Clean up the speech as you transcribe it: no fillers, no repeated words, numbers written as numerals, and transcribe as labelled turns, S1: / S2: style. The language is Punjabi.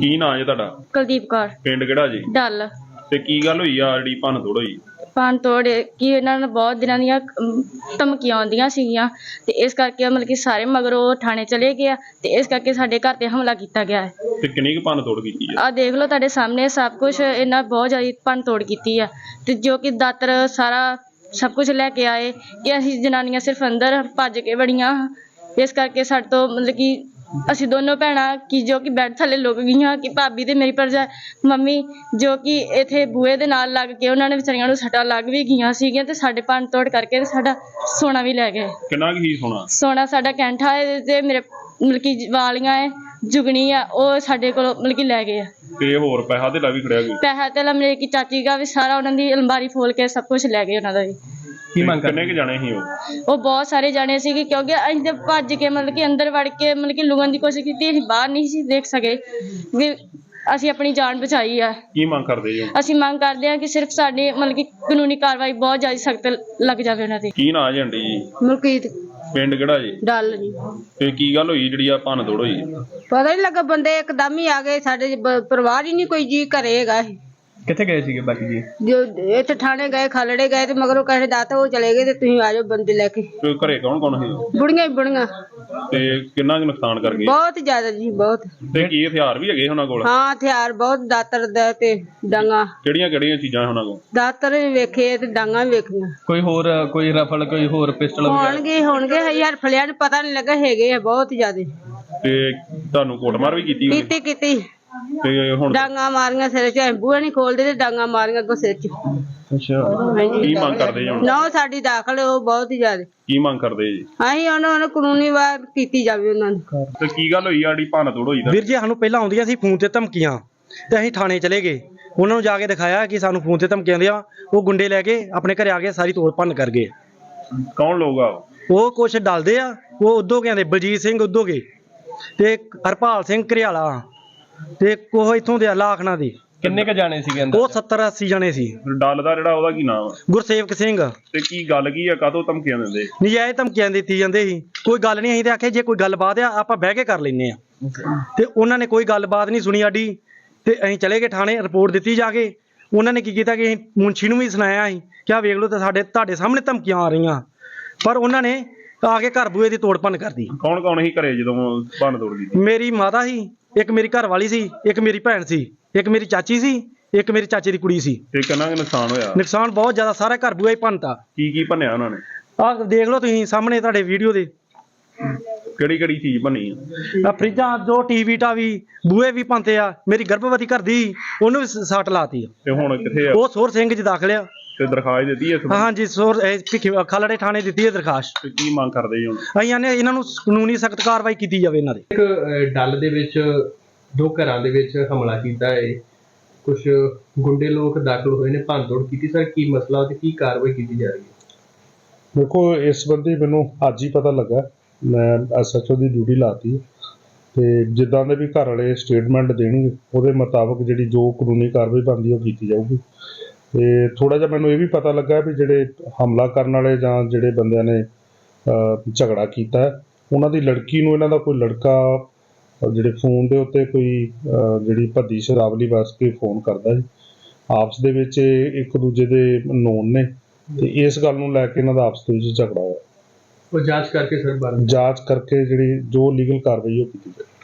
S1: ਕੀ ਨਾਂ ਜੀ ਤੁਹਾਡਾ?
S2: ਕੁਲਦੀਪ ਕੌਰ।
S1: ਪਿੰਡ ਕਿਹੜਾ ਜੀ?
S2: ਡੱਲ।
S1: ਤੇ ਕੀ ਗੱਲ ਹੋਈ ਆ ਜਿਹੜੀ ਭੰਨ ਤੋੜ ਹੋਈ?
S2: ਭੰਨ ਤੋੜ ਕਿ ਇਹਨਾਂ ਨੂੰ ਬਹੁਤ ਦਿਨਾਂ ਦੀਆਂ ਧਮਕੀਆਂ ਆਉਂਦੀਆਂ ਸੀਗੀਆਂ ਤੇ ਇਸ ਕਰਕੇ ਮਤਲਬ ਕਿ ਸਾਰੇ ਮਗਰੋਂ ਥਾਣੇ ਚਲੇ ਗਏ ਆ ਤੇ ਇਸ ਕਰਕੇ ਸਾਡੇ ਘਰ ਤੇ ਹਮਲਾ ਕੀਤਾ ਗਿਆ ਹੈ।
S1: ਤੇ ਕਿੰਨੀ ਕੁ ਭੰਨ ਤੋੜ ਕੀਤੀ ਆ?
S2: ਆਹ ਦੇਖ ਲਓ ਤੁਹਾਡੇ ਸਾਹਮਣੇ ਸਭ ਕੁਝ, ਇਹਨਾਂ ਬਹੁਤ ਜ਼ਿਆਦਾ ਭੰਨ ਤੋੜ ਕੀਤੀ ਆ ਤੇ ਜੋ ਕਿ ਦਾਤਰ ਸਾਰਾ ਸਭ ਕੁਝ ਲੈ ਕੇ ਆਏ ਕਿ ਅਸੀਂ ਜਨਾਨੀਆਂ ਸਿਰਫ ਅੰਦਰ ਭੱਜ ਕੇ ਵੜੀਆਂ। ਇਸ ਕਰਕੇ ਸਾਡੇ ਤੋਂ ਮਤਲਬ ਕਿ ਅਸੀਂ ਦੋਨੋਂ ਭੈਣਾਂ ਕਿ ਜੋ ਕਿ ਬੈੱਡ ਥੱਲੇ ਲੁਕ ਗਈਆਂ ਕਿ ਭਾਬੀ ਤੇ ਮੇਰੀ ਮੰਮੀ ਜੋ ਕਿ ਇੱਥੇ ਬੂਹੇ ਦੇ ਨਾਲ ਲੱਗ ਕੇ ਉਹਨਾਂ ਨੇ ਵਿਚਾਰੀਆਂ ਨੂੰ ਸੱਟਾਂ ਲੱਗ ਵੀ ਗਈਆਂ ਸੀਗੀਆਂ ਤੇ ਸਾਡੇ ਭੰਨ ਤੋੜ ਕਰਕੇ ਤੇ ਸਾਡਾ ਸੋਨਾ ਵੀ ਲੈ ਗਏ।
S1: ਕਿੰਨਾ ਕੁ ਹੀ ਸੋਨਾ? ਸੋਨਾ
S2: ਸਾਡਾ ਕੈਂਠਾ ਹੈ ਤੇ ਮੇਰੇ ਮਤਲਬ ਕਿ ਵਾਲੀਆਂ ਹੈ, ਜੁਗਣੀ ਆ, ਉਹ ਸਾਡੇ ਕੋਲੋਂ ਮਤਲਬ ਕਿ ਲੈ ਗਏ ਆ।
S1: ਤੇ ਹੋਰ ਪੈਸਾ ਤੇ ਵੀ ਖੜਿਆ?
S2: ਪੈਸਾ ਤੇ ਮੇਰੇ ਕੀ ਚਾਚੀ ਦਾ ਵੀ ਸਾਰਾ ਉਹਨਾਂ ਦੀ ਅਲਮਾਰੀ ਫੋਲ ਕੇ ਸਭ ਕੁਝ ਲੈ ਗਏ ਉਹਨਾਂ ਦਾ ਵੀ।
S1: ਕੀ ਮੰਗ ਕਰਨੇ ਕਿ ਜਾਣੇ ਸੀ
S2: ਉਹ ਬਹੁਤ ਸਾਰੇ ਜਾਣੇ ਸੀਗੇ ਕਿਉਂਕਿ ਅਸੀਂ ਤੇ ਭੱਜ ਕੇ ਮਤਲਬ ਕਿ ਅੰਦਰ ਵੜ ਕੇ ਮਤਲਬ ਕਿ ਲੁਕਣ ਦੀ ਕੋਸ਼ਿਸ਼ ਕੀਤੀ, ਅਸੀਂ ਬਾਹਰ ਨਹੀਂ ਸੀ ਦੇਖ ਸਕੇ ਵੀ ਅਸੀਂ ਆਪਣੀ ਜਾਨ ਬਚਾਈ ਆ।
S1: ਕੀ ਮੰਗ ਕਰਦੇ ਜੀ?
S2: ਅਸੀਂ ਮੰਗ ਕਰਦੇ ਹਾਂ ਕਿ ਸਿਰਫ ਸਾਡੀ ਮਤਲਬ ਕਿ ਕਾਨੂੰਨੀ ਕਾਰਵਾਈ ਬਹੁਤ ਜ਼ਿਆਦਾ ਸਖਤ ਲੱਗ ਜਾਵੇ ਉਹਨਾਂ ਤੇ।
S1: ਕੀ ਨਾਂ ਜੀ ਆਂਟੀ ਜੀ?
S3: ਮਲਕੀਤ।
S1: ਪਿੰਡ ਕਿਹੜਾ ਜੀ?
S3: ਡੱਲ ਜੀ।
S1: ਤੇ ਕੀ ਗੱਲ ਹੋਈ ਜਿਹੜੀ ਆ ਭੰਨ ਤੋੜ ਹੋਈ?
S3: ਪਤਾ ਨਹੀਂ ਲੱਗਾ, ਬੰਦੇ ਇੱਕਦਮ ਹੀ ਆ ਗਏ, ਸਾਡੇ ਪਰਿਵਾਰ ਹੀ ਨਹੀਂ ਕੋਈ ਜੀ ਘਰੇ ਹੈਗਾ।
S1: ਕਿੱਥੇ ਗਏ ਸੀਗੇ ਬਾਕੀ ਜੀ?
S3: ਜੋ ਇੱਥੇ ਥਾਣੇ ਗਏ, ਖਾਲੜੇ ਗਏ ਤੇ ਮਗਰੋਂ ਕਹੇ ਦਾਤਾ ਉਹ ਚਲੇ ਗਏ ਤੇ ਤੁਸੀਂ ਆ ਜਾਓ ਬੰਦੇ ਲੈ ਕੇ।
S1: ਤੇ ਘਰੇ ਕੌਣ ਕੌਣ ਸੀ?
S3: ਬੁੜੀਆਂ ਹੀ ਬੁੜੀਆਂ।
S1: ਤੇ ਕਿੰਨਾ ਕੁ ਨੁਕਸਾਨ ਕਰ ਗਏ?
S3: ਬਹੁਤ ਜ਼ਿਆਦਾ ਜੀ, ਬਹੁਤ।
S1: ਤੇ ਕੀ ਹਥਿਆਰ ਵੀ ਹੈਗੇ ਉਹਨਾਂ ਕੋਲ?
S3: ਹਾਂ, ਹਥਿਆਰ ਬਹੁਤ, ਦਾਤਰ ਦਾ ਤੇ ਡਾਂਗਾ।
S1: ਕਿਹੜੀਆਂ ਕਿਹੜੀਆਂ ਚੀਜ਼ਾਂ ਉਹਨਾਂ ਕੋਲ?
S3: ਦਾਤਰ ਵੀ ਵੇਖੇ ਤੇ ਡਾਂਗਾ ਵੀ ਵੇਖੀਆਂ।
S1: ਕੋਈ ਹੋਰ, ਕੋਈ ਰਫਲ, ਕੋਈ ਹੋਰ ਪਿਸਟਲ
S3: ਹੋਣਗੇ ਯਾਰ, ਫਲਿਆਂ ਨੂੰ ਪਤਾ ਨਹੀਂ ਲੱਗਾ, ਹੈਗੇ ਆ ਬਹੁਤ ਜ਼ਿਆਦਾ।
S1: ਤੇ ਤੁਹਾਨੂੰ ਕੁੱਟਮਾਰ ਵੀ ਕੀਤੀ?
S3: ਕੀਤੀ
S1: ਤੇ ਹੁਣ
S3: ਡਾਂਗਾ ਮਾਰੀਆਂ ਸਿਰ 'ਚ, ਬੂਹੇ ਨਹੀਂ ਖੋਲਦੇ ਤੇ ਡਾਂਗਾ ਮਾਰੀਆਂ ਅੱਗੋਂ ਸਿਰ 'ਚ।
S1: ਅੱਛਾ, ਕੀ ਮੰਗ ਕਰਦੇ ਜੀ ਹੁਣ?
S3: ਨਾ ਸਾਡੀ ਦਾਖਲ ਉਹ ਬਹੁਤ ਹੀ ਜ਼ਿਆਦਾ।
S1: ਕੀ ਮੰਗ ਕਰਦੇ ਜੀ?
S3: ਅਸੀਂ ਉਹਨਾਂ ਕਾਨੂੰਨੀ ਵਾਰ ਕੀਤੀ ਜਾਵੇ ਉਹਨਾਂ ਨੂੰ।
S1: ਤੇ ਕੀ ਗੱਲ ਹੋਈ ਆ ਜਿਹੜੀ ਭੰਨ ਤੋੜ ਹੋਈ?
S4: ਵੀਰ ਜੀ, ਸਾਨੂੰ ਪਹਿਲਾਂ ਆਉਂਦੀਆਂ ਸੀ ਫੋਨ ਤੇ ਧਮਕੀਆਂ ਤੇ ਅਸੀਂ ਥਾਣੇ ਚਲੇ ਗਏ, ਉਹਨਾਂ ਨੂੰ ਜਾ ਕੇ ਦਿਖਾਇਆ ਕਿ ਸਾਨੂੰ ਫੋਨ ਤੇ ਧਮਕੀਆਂ ਆਉਂਦੀਆਂ। ਉਹ ਗੁੰਡੇ ਲੈ ਕੇ ਆਪਣੇ ਘਰੇ ਆ ਕੇ ਸਾਰੀ ਤੋੜ ਭੰਨ ਕਰ ਗਏ।
S1: ਕੌਣ ਲੋਕ ਆ
S4: ਉਹ ਕੁਛ ਡਲਦੇ ਆ, ਉਹ ਉਦੋਂ ਕਹਿੰਦੇ ਬਲਜੀਤ ਸਿੰਘ ਉਦੋਗੇ ਤੇ ਹਰਪਾਲ ਸਿੰਘ ਘਰਿਆਲਾ ਤੇ ਉਹ ਇੱਥੋਂ ਦੇ ਲਾਖਣਾ ਦੇ।
S1: ਕਿੰਨੇ ਕ ਜਾਣੇ ਸੀਗੇ
S4: ਉਹ 70-80 ਜਣੇ ਸੀ।
S1: ਡੱਲ ਦਾ ਜਿਹੜਾ ਉਹਦਾ ਕੀ ਨਾਮ?
S4: ਗੁਰਸੇਵਕ ਸਿੰਘ।
S1: ਤੇ ਕੀ ਗੱਲ ਕੀ ਆ, ਕਾਹਤੋਂ ਧਮਕੀਆਂ ਦਿੰਦੇ?
S4: ਨਜਾਇਜ਼ ਧਮਕੀਆਂ ਦਿੱਤੀ ਜਾਂਦੇ ਸੀ, ਕੋਈ ਗੱਲ ਨਹੀਂ। ਅਸੀਂ ਤੇ ਆਖਿਆ ਜੇ ਕੋਈ ਗੱਲਬਾਤ ਆ ਆਪਾਂ ਬਹਿ ਕੇ ਕਰ ਲੈਨੇ ਆ, ਤੇ ਉਹਨਾਂ ਨੇ ਕੋਈ ਗੱਲਬਾਤ ਨਹੀਂ ਸੁਣੀ ਸਾਡੀ ਤੇ ਅਸੀਂ ਚਲੇ ਗਏ ਥਾਣੇ, ਰਿਪੋਰਟ ਦਿੱਤੀ ਜਾ ਕੇ। ਉਹਨਾਂ ਨੇ ਕੀ ਕੀਤਾ ਕਿ ਅਸੀਂ ਮੁੰਸ਼ੀ ਨੂੰ ਵੀ ਸੁਣਾਇਆ ਅਸੀਂ ਕਿ ਆਹ ਵੇਖ ਲਓ ਤੇ ਤੁਹਾਡੇ ਸਾਹਮਣੇ ਧਮਕੀਆਂ ਆ ਰਹੀਆਂ, ਪਰ ਉਹਨਾਂ ਨੇ ਆ ਕੇ ਘਰ ਬੂਹੇ ਦੀ ਤੋੜ ਭੰਨ ਕਰਦੀ।
S1: ਕੌਣ ਕੌਣ ਸੀ ਘਰੇ ਜਦੋਂ ਭੰਨ ਤੋੜ ਕੀਤੀ?
S4: ਮੇਰੀ ਮਾਤਾ ਸੀ, ਇੱਕ ਮੇਰੀ ਘਰ ਵਾਲੀ ਸੀ, ਇੱਕ ਮੇਰੀ ਭੈਣ ਸੀ, ਇੱਕ ਮੇਰੀ ਚਾਚੀ ਸੀ, ਇੱਕ ਮੇਰੀ ਚਾਚੇ ਦੀ ਕੁੜੀ ਸੀ।
S1: ਤੇ ਕਿੰਨਾ ਕੁ ਨੁਕਸਾਨ ਹੋਇਆ?
S4: ਨੁਕਸਾਨ ਬਹੁਤ ਜ਼ਿਆਦਾ, ਸਾਰਾ ਘਰ ਬੂਹਾ ਹੀ ਭੰਨਤਾ।
S1: ਕੀ ਭੰਨਿਆ ਉਹਨਾਂ ਨੇ?
S4: ਆਹ ਦੇਖ ਲਓ ਤੁਸੀਂ ਸਾਹਮਣੇ ਤੁਹਾਡੇ ਵੀਡੀਓ ਦੇ।
S1: ਕਿਹੜੀ ਕਿਹੜੀ ਚੀਜ਼ ਭੰਨੀ
S4: ਆ ਫਰਿੱਜਾਂ, ਜੋ ਟੀਵੀ ਟਾਵੀ, ਬੂਹੇ ਵੀ ਭੰਨਤੇ ਆ। ਮੇਰੀ ਗਰਭਵਤੀ ਘਰ ਦੀ, ਉਹਨੂੰ ਵੀ ਸੱਟ ਲਾਤੀ ਆ।
S1: ਤੇ ਹੁਣ ਕਿੱਥੇ ਆ
S4: ਉਹ ਸੋਰ ਸਿੰਘ ਚ ਦਾਖਲ ਆ।
S1: ਤੇ ਦਰਖਾਸਤ ਦਿੱਤੀ ਹੈ?
S4: ਹਾਂਜੀ, ਖਾਲੜੇ ਥਾਣੇ ਦਿੱਤੀ ਹੈ ਦਰਖਾਸਤ।
S1: ਤੇ ਕੀ ਮੰਗ ਕਰਦੇ ਜੀ ਹੁਣ?
S4: ਅਸੀਂ ਨੇ ਇਹਨਾਂ ਨੂੰ ਕਾਨੂੰਨੀ ਸਖਤ ਕਾਰਵਾਈ ਕੀਤੀ ਜਾਵੇ ਇਹਨਾਂ ਦੇ।
S5: ਇੱਕ ਡੱਲ ਦੇ ਵਿੱਚ ਦੋ ਘਰਾਂ ਦੇ ਵਿੱਚ ਹਮਲਾ ਕੀਤਾ ਹੈ, ਕੁਝ ਗੁੰਡੇ ਲੋਕ ਦਾਖਲ ਹੋਏ ਨੇ, ਭੰਨਤੋੜ ਕੀਤੀ। ਸਰ ਕੀ ਮਸਲਾ ਤੇ ਕੀ ਕਾਰਵਾਈ ਕੀਤੀ ਜਾ ਰਹੀ ਹੈ?
S6: ਦੇਖੋ, ਇਸ ਸੰਬੰਧੀ ਮੈਨੂੰ ਅੱਜ ਹੀ ਪਤਾ ਲੱਗਾ। ਮੈਂ SHO ਦੀ ਡਿਊਟੀ ਲਾਤੀ ਤੇ ਜਿੱਦਾਂ ਦੇ ਵੀ ਘਰ ਵਾਲੇ ਸਟੇਟਮੈਂਟ ਦੇਣਗੇ ਉਹਦੇ ਮੁਤਾਬਕ ਜਿਹੜੀ ਜੋ ਕਾਨੂੰਨੀ ਕਾਰਵਾਈ ਬਣਦੀ ਉਹ ਕੀਤੀ ਜਾਊਗੀ। ਤੇ ਥੋੜਾ ਜਿਹਾ ਮੈਨੂੰ ਇਹ ਵੀ ਪਤਾ ਲੱਗਾ ਵੀ ਜਿਹੜੇ ਹਮਲਾ ਕਰਨ ਵਾਲੇ ਜਾਂ ਜਿਹੜੇ ਬੰਦਿਆਂ ਨੇ ਝਗੜਾ ਕੀਤਾ ਉਹਨਾਂ ਦੀ ਲੜਕੀ ਨੂੰ ਇਹਨਾਂ ਦਾ ਕੋਈ ਲੜਕਾ ਜਿਹੜੇ ਫੋਨ ਦੇ ਉੱਤੇ ਕੋਈ ਜਿਹੜੀ ਭੱਦੀ ਸ਼ਰਾਵਲੀ ਵਾਸਤੇ ਫੋਨ ਕਰਦਾ ਜੀ। ਆਪਸ ਦੇ ਵਿੱਚ ਇੱਕ ਦੂਜੇ ਦੇ ਨੋਨ ਨੇ ਤੇ ਇਸ ਗੱਲ ਨੂੰ ਲੈ ਕੇ ਇਹਨਾਂ ਦਾ ਆਪਸ ਦੇ ਵਿੱਚ ਝਗੜਾ ਹੋਇਆ।
S5: ਉਹ ਜਾਂਚ ਕਰਕੇ ਸਰ
S6: ਜਾਂਚ ਕਰਕੇ ਜਿਹੜੀ ਜੋ ਲੀਗਲ ਕਾਰਵਾਈ ਉਹ ਕੀਤੀ ਜਾਵੇ।